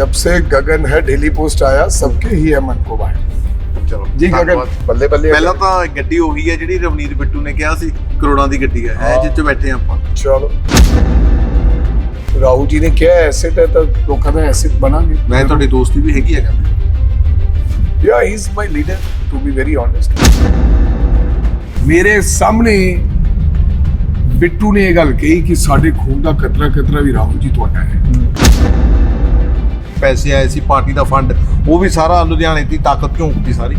जब से गगन है डेली पोस्ट आया सबके ही है मन को बांट। ਚਲੋ जी गगन बल्ले बल्ले ਪਹਿਲਾਂ ਤਾਂ ਗੱਡੀ ਉਹੀ ਹੈ ਜਿਹੜੀ ਰਵਨੀਤ ਬਿੱਟੂ ਨੇ ਕਿਹਾ ਸੀ ਕਰੋੜਾਂ ਦੀ ਗੱਡੀ ਹੈ ਇਹ ਜਿੱਥੇ ਬੈਠੇ ਆਪਾਂ। चलो राहुल जी ने क्या एसेट है तो लोगों का एसेट बनाएंगे। ਮੈਂ ਤੁਹਾਡੀ ਦੋਸਤੀ ਵੀ ਹੈਗੀ ਹੈ ਕਹਿੰਦੇ। Yeah, he's my leader to be very honest। मेरे सामने ਬਿੱਟੂ ਨੇ ਇਹ ਗੱਲ ਕਹੀ ਕਿ ਸਾਡੇ ਖੂਨ ਦਾ ਕਤਰਾ ਵੀ ਰਾਹੁਲ ਜੀ ਤੁਹਾਡਾ ਹੈ। ਪੈਸੇ ਆਏ ਸੀ ਪਾਰਟੀ ਦਾ ਫੰਡ ਉਹ ਵੀ ਸਾਰਾ ਲੁਧਿਆਣੇ ਦੀ ਤਾਕਤ ਝੋਂਕਦੀ ਸਾਰੀ।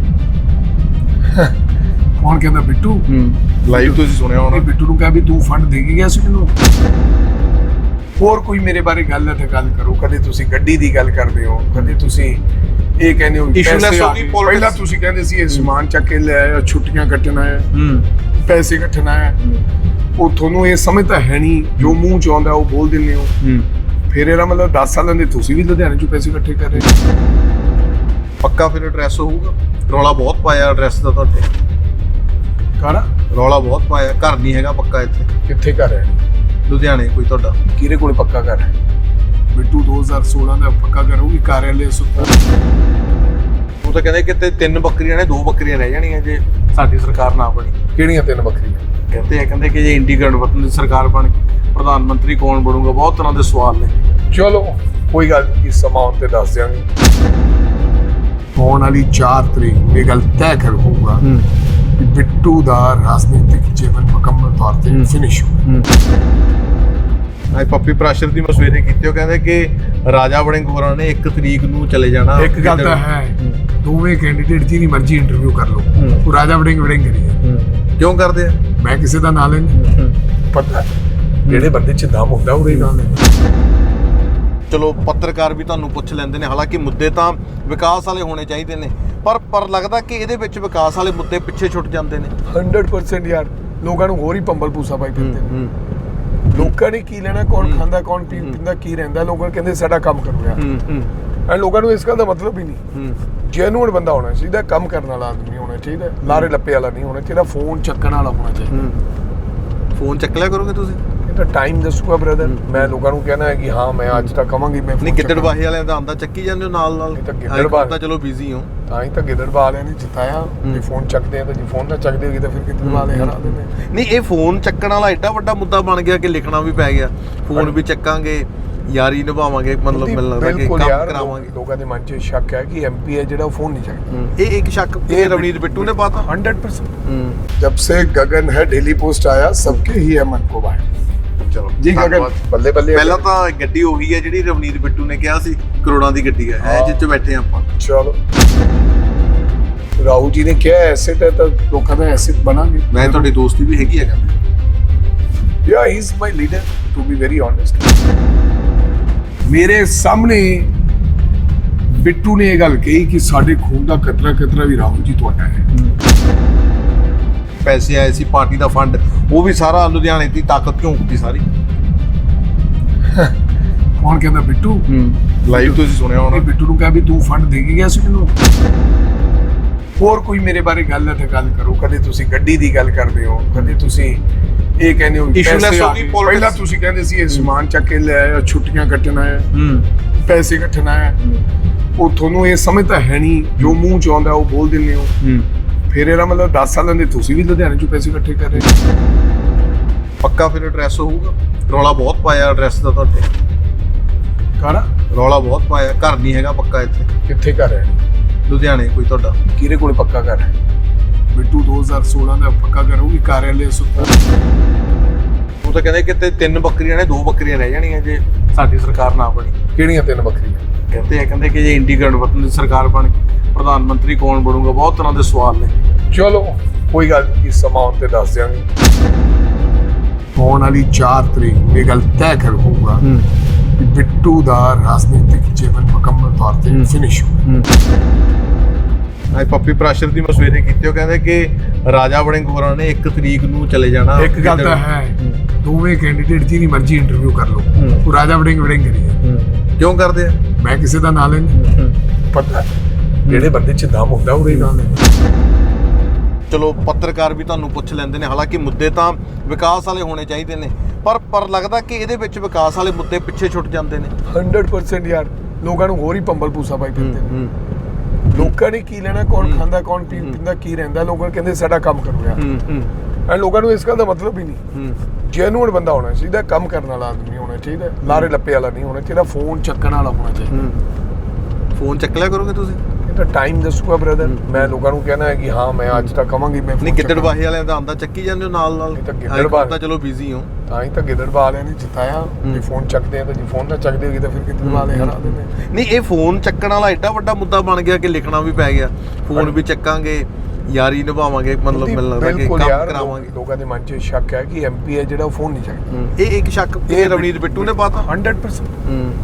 ਕੌਣ ਕਹਿੰਦਾ ਬਿੱਟੂ? ਲਾਈਵ ਤੁਸੀਂ ਸੁਣਿਆ ਹੋਣਾ। ਬਿੱਟੂ ਨੂੰ ਕਿਹਾ ਵੀ ਤੂੰ ਫੰਡ ਦੇ ਕੇ ਗਿਆ ਸੀ ਮੈਨੂੰ। ਹੋਰ ਕੋਈ ਮੇਰੇ ਬਾਰੇ ਗੱਲ ਹੈ ਤਾਂ ਗੱਲ ਕਰੋ। ਕਦੇ ਤੁਸੀਂ ਗੱਡੀ ਦੀ ਗੱਲ ਕਰਦੇ ਹੋ, ਕਦੇ ਤੁਸੀਂ ਇਹ ਕਹਿੰਦੇ ਹੋ Issueless ਹੋ ਗਈ politics। ਪਹਿਲਾਂ ਤੁਸੀਂ ਕਹਿੰਦੇ ਸੀ ਇਹ ਸਮਾਨ ਚੱਕ ਕੇ ਲੈ ਆਇਆ, ਛੁੱਟੀਆਂ ਕੱਟਣਾ ਹੈ, ਪੈਸੇ ਕੱਟਣਾ ਹੈ। ਉਹ ਤੁਹਾਨੂੰ ਇਹ ਸਮਝ ਤਾਂ ਹੈ ਨਹੀਂ, ਜੋ ਮੂੰਹ ਚ ਆਉਂਦਾ ਉਹ ਬੋਲ ਦਿੰਦੇ ਹੋ। ਫਿਰ ਇਹਦਾ ਮਤਲਬ 10 ਸਾਲਾਂ ਦੇ ਤੁਸੀਂ ਵੀ ਲੁਧਿਆਣੇ ਚੋਂ ਪੈਸੇ ਇਕੱਠੇ ਕਰ ਰਹੇ। ਪੱਕਾ ਫਿਰ ਐਡਰੈਸ ਹੋਊਗਾ। ਰੌਲਾ ਬਹੁਤ ਪਾਇਆ ਐਡਰੈਸ ਦਾ ਤੁਹਾਡੇ। ਕਾਹਦਾ ਰੌਲਾ ਬਹੁਤ ਪਾਇਆ। ਘਰ ਨਹੀਂ ਹੈਗਾ ਪੱਕਾ ਇੱਥੇ। ਕਿੱਥੇ ਕਰ ਰਹੇ ਲੁਧਿਆਣੇ ਕੋਈ ਤੁਹਾਡਾ ਕਿਹਦੇ ਕੋਲ ਪੱਕਾ ਕਰ ਹੈ? ਬਿੱਟੂ 2016 ਦਾ ਪੱਕਾ ਕਰੂਗੀ ਕਾਰਿਆਲੇ ਸੁਪਰ। ਉਹ ਤਾਂ ਕਹਿੰਦੇ ਕਿਤੇ 3 ਬੱਕਰੀਆਂ ਨੇ 2 ਬੱਕਰੀਆਂ ਰਹਿ ਜਾਣੀਆਂ ਜੇ ਸਾਡੀ ਸਰਕਾਰ ਨਾ ਬਣੀ। ਕਿਹੜੀਆਂ 3 ਬੱਕਰੀਆਂ? ਕਹਿੰਦੇ ਕਿ ਜੇ ਇੰਡੀ ਗਠਬੰਧਨ ਦੀ ਸਰਕਾਰ ਬਣ ਗਈ ਪ੍ਰਧਾਨ ਮੰਤਰੀ ਕੌਣ ਬਣੂਗਾ, ਬਹੁਤ ਤਰ੍ਹਾਂ ਦੇ ਸਵਾਲ ਨੇ। ਚਲੋ ਕੋਈ ਗੱਲ ਨਹੀਂ, ਸਮਾਂ ਆਉਣ ਤੇ ਦੱਸ ਦਿਆਂਗੇ। ਆਉਣ ਵਾਲੀ 4 ਤਰੀਕ ਨੂੰ ਇਹ ਗੱਲ ਤੈਅ ਕਰ ਹੋਊਗਾ ਕਿ ਬਿੱਟੂ ਦਾ ਰਾਜਨੀਤਿਕ ਜੀਵਨ ਮੁਕੰਮਲ ਤੌਰ ਤੇ ਫਿਨਿਸ਼ ਹੋ। ਅੱਜ ਪੱਪੀ ਪ੍ਰਾਸ਼ਰ ਦੀ ਮਸਵੇਰੇ ਕੀਤੀ, ਉਹ ਕਹਿੰਦੇ ਕਿ ਰਾਜਾ ਵੜਿੰਗ ਹੋਰਾਂ ਨੇ 1 ਤਰੀਕ ਨੂੰ ਚਲੇ ਜਾਣਾ। ਇੱਕ ਗੱਲ ਤਾਂ ਹੈ, ਦੋਵੇਂ ਕੈਂਡੀਡੇਟ ਜਿਹਦੀ ਮਰਜ਼ੀ ਇੰਟਰਵਿਊ ਕਰ ਲਓ, ਉਹ ਰਾਜਾ ਵੜਿੰਗ ਕਰੀ ਹੈ। ਕਿਉਂ ਕਰਦੇ ਆ? ਮੈਂ ਕਿਸੇ ਦਾ ਨਾਂ ਲੈਂਦਾ, ਪਤਾ ਜਿਹੜੇ ਬੰਦੇ ਚ ਦਮ ਹੁੰਦਾ ਉਹਦੇ ਨਾਂ ਲੈਂਦਾ। ਚਲੋ ਪੱਤਰਕਾਰ ਵੀ ਤੁਹਾਨੂੰ ਪੁੱਛ ਲੈਂਦੇ ਨੇ, ਹਾਲਾਂਕਿ ਮੁੱਦੇ ਤਾਂ ਵਿਕਾਸ ਵਾਲੇ ਹੋਣੇ ਚਾਹੀਦੇ ਨੇ, ਪਰ ਲੱਗਦਾ ਕਿ ਇਹਦੇ ਵਿੱਚ ਵਿਕਾਸ ਵਾਲੇ ਮੁੱਦੇ ਪਿੱਛੇ ਛੁੱਟ ਜਾਂਦੇ ਨੇ। 100% ਯਾਰ, ਲੋਕਾਂ ਨੂੰ ਹੋਰ ਹੀ ਪੰਬਲ ਪੂਸਾ ਪਾਈ ਫਿਰਦੇ ਨੇ। ਲੋਕਾਂ ਨੇ ਕੀ ਲੈਣਾ, ਕੌਣ ਖਾਂਦਾ ਕੌਣ ਪੀਂਦਾ ਕੀ ਰਹਿੰਦਾ, ਲੋਕਾਂ ਕਹਿੰਦੇ ਸਾਡਾ ਕੰਮ ਕਰੋ ਯਾਰ। ਐ ਲੋਕਾਂ ਨੂੰ ਇਸ ਗੱਲ ਦਾ ਮਤਲਬ ਹੀ ਨਹੀਂ। ਜੈਨੂਅਨ ਬੰਦਾ ਹੋਣਾ ਚਾਹੀਦਾ, ਕੰਮ ਕਰਨ ਵਾਲਾ ਆਦਮੀ ਹੋਣਾ ਚਾਹੀਦਾ, ਲਾਰੇ ਲੱਪੇ ਵਾਲਾ ਨਹੀਂ ਹੋਣਾ ਚਾਹੀਦਾ, ਫੋਨ ਚੱਕਣ ਵਾਲਾ ਹੋਣਾ ਚਾਹੀਦਾ। ਫੋਨ ਚੱਕ ਲਿਆ ਕਰੋਗੇ ਤੁਸੀਂ? ਇਹ ਤਾਂ ਟਾਈਮ ਦੱਸੂਗਾ ਬ੍ਰਦਰ। ਮੈਂ ਲੋਕਾਂ ਨੂੰ ਕਹਿਣਾ ਹੈ ਕਿ ਹਾਂ ਮੈਂ ਅੱਜ ਤੱਕ ਕਵਾਂਗੀ ਮੈਂ ਨਹੀਂ। ਗਿੱਦੜਬਾਹੀ ਵਾਲਿਆਂ ਦਾ ਆਂਦਾ ਚੱਕੀ ਜਾਂਦੇ ਹੋ ਨਾਲ ਗਿੱਦੜਬਾਹੀ ਤਾਂ ਚਲੋ ਬਿਜ਼ੀ ਹੋ, ਤਾਂ ਹੀ ਤਾਂ ਗਿੱਦੜਬਾਹ ਵਾਲਿਆਂ ਨੇ ਜਿਤਾਇਆ। ਜੇ ਫੋਨ ਚੱਕਦੇ ਆ ਤਾਂ, ਜੇ ਫੋਨ ਨਾ ਚੱਕਦੇ ਹੋਗੇ ਤਾਂ ਫਿਰ ਗਿੱਦੜਬਾਹ ਵਾਲੇ ਹਰਾ ਦਿੰਦੇ। ਨਹੀਂ, ਇਹ ਫੋਨ ਚੱਕਣ ਵਾਲਾ ਏਡਾ ਵੱਡਾ ਮੁੱਦਾ ਬਣ ਗਿਆ ਕਿ ਲਿਖਣਾ ਵੀ ਪੈ ਗਿਆ। ਫੋਨ ਵੀ ਚੱਕਾਂਗੇ, ਯਾਰੀ ਨਿਭਾਵਾਂਗੇ, ਮਤਲਬ ਮੈਨੂੰ ਲੱਗਦਾ ਕਿ ਕੰਮ ਕਰਾਵਾਂਗੇ। ਲੋਕਾਂ ਦੇ ਮਨ 'ਚ ਸ਼ੱਕ ਹੈ ਕਿ ਐਮਪੀ ਹੈ ਜਿਹੜਾ ਉਹ ਫੋਨ ਨਹੀਂ ਚੱਕਦਾ। ਇਹ ਇੱਕ ਸ਼ੱਕ ਇਹ ਰਵਨੀਤ ਬਿੱਟੂ ਨੇ ਪਾਤਾ 100%। जब से गगन है डेली पोस्ट आया सबके ही है मन को बांट। ਚਲੋ ਜੀ ਗਗਨ ਬੱਲੇ ਬੱਲੇ। ਪਹਿਲਾਂ ਤਾਂ ਗੱਡੀ ਉਹੀ ਹੈ ਜਿਹੜੀ ਰਵਨੀਤ ਬਿੱਟੂ ਨੇ ਕਿਹਾ ਸੀ ਕਰੋੜਾਂ ਦੀ ਗੱਡੀ ਹੈ ਇਹ ਜਿੱਥੇ ਬੈਠੇ ਆਪਾਂ। ਚਲੋ ਰਾਹੁਲ ਜੀ ਨੇ ਕਿਹਾ ਐਸੇਟ ਹੈ ਤਾਂ ਲੋਕਾਂ ਦਾ ਐਸੇਟ ਬਣਾਂਗੇ। ਮੈਂ ਤੁਹਾਡੀ ਦੋਸਤੀ ਵੀ ਹੈਗੀ ਹੈ ਕਹਿੰਦੇ। Yeah, he's my leader to be very honest। ਮੇਰੇ ਸਾਹਮਣੇ ਬਿੱਟੂ ਨੇ ਇਹ ਗੱਲ ਕਹੀ ਕਿ ਸਾਡੇ ਖੂਨ ਦਾ ਕਤਰਾ ਵੀ ਰਾਹੁਲ ਜੀ ਤੁਹਾਡਾ ਹੈ। ਪੈਸੇ ਆਏ ਸੀ ਪਾਰਟੀ ਦਾ ਫੰਡ ਉਹ ਵੀ ਸਾਰਾ ਲੁਧਿਆਣੇ ਦੀ ਤਾਕਤ ਝੋਂਕਦੀ ਸਾਰੀ। ਕੌਣ ਕਹਿੰਦਾ ਬਿੱਟੂ? ਲਾਈਵ ਤੁਸੀਂ ਸੁਣਿਆ ਹੋਣਾ। ਬਿੱਟੂ ਨੂੰ ਕਿਹਾ ਵੀ ਤੂੰ ਫੰਡ ਦੇ ਕੇ ਗਿਆ ਸੀ ਮੈਨੂੰ। ਹੋਰ ਕੋਈ ਮੇਰੇ ਬਾਰੇ ਗੱਲ ਹੈ ਤਾਂ ਗੱਲ ਕਰੋ। ਕਦੇ ਤੁਸੀਂ ਗੱਡੀ ਦੀ ਗੱਲ ਕਰਦੇ ਹੋ, ਕਦੇ ਤੁਸੀਂ ਇਹ ਕਹਿੰਦੇ ਹੋ Issueless ਹੋ ਗਈ politics। ਪਹਿਲਾਂ ਤੁਸੀਂ ਕਹਿੰਦੇ ਸੀ ਇਹ ਸਮਾਨ ਚੱਕ ਕੇ ਲੈ ਆਇਆ, ਛੁੱਟੀਆਂ ਕੱਟਣਾ ਹੈ, ਪੈਸੇ ਕੱਟਣਾ ਹੈ। ਉਹ ਤੁਹਾਨੂੰ ਇਹ ਸਮਝ ਤਾਂ ਹੈ ਨਹੀਂ, ਜੋ ਮੂੰਹ ਚ ਆਉਂਦਾ ਉਹ ਬੋਲ ਦਿੰਦੇ ਹੋ। ਫਿਰ ਇਹਦਾ ਮਤਲਬ 10 ਸਾਲਾਂ ਦੇ ਤੁਸੀਂ ਵੀ ਲੁਧਿਆਣੇ ਚੋਂ ਪੈਸੇ ਇਕੱਠੇ ਕਰ ਰਹੇ। ਪੱਕਾ ਫਿਰ ਐਡਰੈਸ ਹੋਊਗਾ। ਰੌਲਾ ਬਹੁਤ ਪਾਇਆ ਐਡਰੈਸ ਦਾ ਤੁਹਾਡੇ। ਕਾਹਦਾ ਰੌਲਾ ਬਹੁਤ ਪਾਇਆ। ਘਰ ਨਹੀਂ ਹੈਗਾ ਪੱਕਾ ਇੱਥੇ। ਕਿੱਥੇ ਕਰ ਰਹੇ ਲੁਧਿਆਣੇ ਕੋਈ ਤੁਹਾਡਾ ਕਿਹਦੇ ਕੋਲ ਪੱਕਾ ਕਰ ਹੈ? ਬਿੱਟੂ 2016 ਦਾ ਪੱਕਾ ਕਰੂਗੀ ਕਾਰਿਆਲੇ ਸੁਪਰ। ਉਹ ਤਾਂ ਕਹਿੰਦੇ ਕਿਤੇ 3 ਬੱਕਰੀਆਂ ਨੇ 2 ਬੱਕਰੀਆਂ ਰਹਿ ਜਾਣੀਆਂ ਜੇ ਸਾਡੀ ਸਰਕਾਰ ਨਾ ਬਣੀ। ਕਿਹੜੀਆਂ 3 ਬੱਕਰੀਆਂ? ਕਹਿੰਦੇ ਕਿ ਜੇ ਇੰਡੀ ਗਠਬੰਧਨ ਦੀ ਸਰਕਾਰ ਬਣ ਗਈ ਪ੍ਰਧਾਨ ਮੰਤਰੀ ਕੌਣ ਬਣੂਗਾ, ਬਹੁਤ ਤਰ੍ਹਾਂ ਦੇ ਸਵਾਲ ਨੇ। ਚਲੋ ਕੋਈ ਗੱਲ ਨਹੀਂ, ਸਮਾਂ ਆਉਣ ਤੇ ਦੱਸ ਦਿਆਂਗੇ। ਆਉਣ ਵਾਲੀ 4 ਤਰੀਕ ਨੂੰ ਇਹ ਗੱਲ ਤੈਅ ਕਰ ਹੋਊਗਾ ਕਿ ਬਿੱਟੂ ਦਾ ਰਾਜਨੀਤਿਕ ਜੀਵਨ ਮੁਕੰਮਲ ਤੌਰ ਤੇ ਫਿਨਿਸ਼ ਹੋ। ਅੱਜ ਪੱਪੀ ਪ੍ਰਾਸ਼ਰ ਦੀ ਮਸਵੇਰੇ ਕੀਤੀ, ਉਹ ਕਹਿੰਦੇ ਕਿ ਰਾਜਾ ਵੜਿੰਗ ਹੋਰਾਂ ਨੇ 1 ਤਰੀਕ ਨੂੰ ਚਲੇ ਜਾਣਾ। ਇੱਕ ਗੱਲ ਤਾਂ ਹੈ, ਦੋਵੇਂ ਕੈਂਡੀਡੇਟ ਜਿਹਦੀ ਮਰਜ਼ੀ ਇੰਟਰਵਿਊ ਕਰ ਲਓ, ਉਹ ਰਾਜਾ ਵੜਿੰਗ ਕਰੀ ਹੈ। ਕਿਉਂ ਕਰਦੇ ਆ? ਮੈਂ ਕਿਸੇ ਦਾ ਨਾਂ ਲੈਂਦਾ, ਪਤਾ ਜਿਹੜੇ ਬੰਦੇ ਚ ਦਮ ਹੁੰਦਾ ਉਹਦੇ ਨਾਂ ਲੈਂਦਾ। ਚਲੋ ਪੱਤਰਕਾਰ ਵੀ ਤੁਹਾਨੂੰ ਪੁੱਛ ਲੈਂਦੇ ਨੇ, ਹਾਲਾਂਕਿ ਮੁੱਦੇ ਤਾਂ ਵਿਕਾਸ ਵਾਲੇ ਹੋਣੇ ਚਾਹੀਦੇ ਨੇ, ਪਰ ਲੱਗਦਾ ਕਿ ਇਹਦੇ ਵਿੱਚ ਵਿਕਾਸ ਵਾਲੇ ਮੁੱਦੇ ਪਿੱਛੇ ਛੁੱਟ ਜਾਂਦੇ ਨੇ। 100% ਯਾਰ, ਲੋਕਾਂ ਨੂੰ ਹੋਰ ਹੀ ਪੰਬਲ ਪੂਸਾ ਪਾਈ ਫਿਰਦੇ ਨੇ ਲੋਕਾਂ ਨੇ ਕੀ ਲੈਣਾ ਕੌਣ ਖਾਂਦਾ ਕੌਣ ਪੀਂਦਾ ਕੀ ਰਹਿੰਦਾ ਲੋਕਾਂ ਕਹਿੰਦੇ ਸਾਡਾ ਕੰਮ ਕਰੋ ਯਾਰ ਐ ਲੋਕਾਂ ਨੂੰ ਇਸ ਗੱਲ ਦਾ ਮਤਲਬ ਹੀ ਨਹੀਂ ਜੈਨੂਅਨ ਬੰਦਾ ਹੋਣਾ ਚਾਹੀਦਾ ਕੰਮ ਕਰਨ ਵਾਲਾ ਆਦਮੀ ਹੋਣਾ ਚਾਹੀਦਾ ਲਾਰੇ ਲੱਪੇ ਵਾਲਾ ਨਹੀਂ ਹੋਣਾ ਚਾਹੀਦਾ ਫੋਨ ਚੱਕਣ ਵਾਲਾ ਹੋਣਾ ਚਾਹੀਦਾ ਫੋਨ ਚੱਕ ਲਿਆ ਕਰੋਗੇ ਤੁਸੀਂ ਇਹ ਤਾਂ ਟਾਈਮ ਦੱਸੂਗਾ ਬ੍ਰਦਰ ਮੈਂ ਲੋਕਾਂ ਨੂੰ ਕਹਿਣਾ ਹੈ ਕਿ ਹਾਂ ਮੈਂ ਅੱਜ ਤੱਕ ਕਵਾਂਗੀ ਮੈਂ ਨਹੀਂ ਗਿੱਦੜਬਾਹੀ ਵਾਲਿਆਂ ਦਾ ਆਂਦਾ ਚੱਕੀ ਜਾਂਦੇ ਹੋ ਨਾਲ ਇਹ ਤਾਂ ਗਿੱਦੜਬਾਹੀ ਤਾਂ ਚਲੋ ਬਿਜ਼ੀ ਹੋ ਤਾਂ ਹੀ ਤਾਂ ਗਿੱਦੜਬਾਹ ਵਾਲਿਆਂ ਨੇ ਜਿਤਾਇਆ ਜੇ ਫੋਨ ਚੱਕਦੇ ਆ ਤਾਂ ਜੇ ਫੋਨ ਨਾ ਚੱਕਦੇ ਹੋਗੇ ਤਾਂ ਫਿਰ ਗਿੱਦੜਬਾਹ ਵਾਲੇ ਹਰਾ ਦਿੰਦੇ ਨਹੀਂ ਇਹ ਫੋਨ ਚੱਕਣ ਵਾਲਾ ਐਡਾ ਵੱਡਾ ਮੁੱਦਾ ਬਣ ਗਿਆ ਕਿ ਲਿਖਣਾ ਵੀ ਪੈ ਗਿਆ ਫੋਨ ਵੀ ਚੱਕਾਂਗੇ ਯਾਰੀ ਨਿਭਾਵਾਂਗੇ ਮਤਲਬ ਮੈਨੂੰ ਲੱਗਦਾ ਕਿ ਕੰਮ ਕਰਾਵਾਂਗੇ ਲੋਕਾਂ ਦੇ ਮਨ 'ਚ ਸ਼ੱਕ ਹੈ ਕਿ ਐਮਪੀ ਹੈ ਜਿਹੜਾ ਉਹ ਫੋਨ ਨਹੀਂ ਚੱਕਦਾ ਇਹ ਇੱਕ ਸ਼ੱਕ ਇਹ ਰਵਨੀਤ ਬਿੱਟੂ ਨੇ ਪਾਤਾ 100%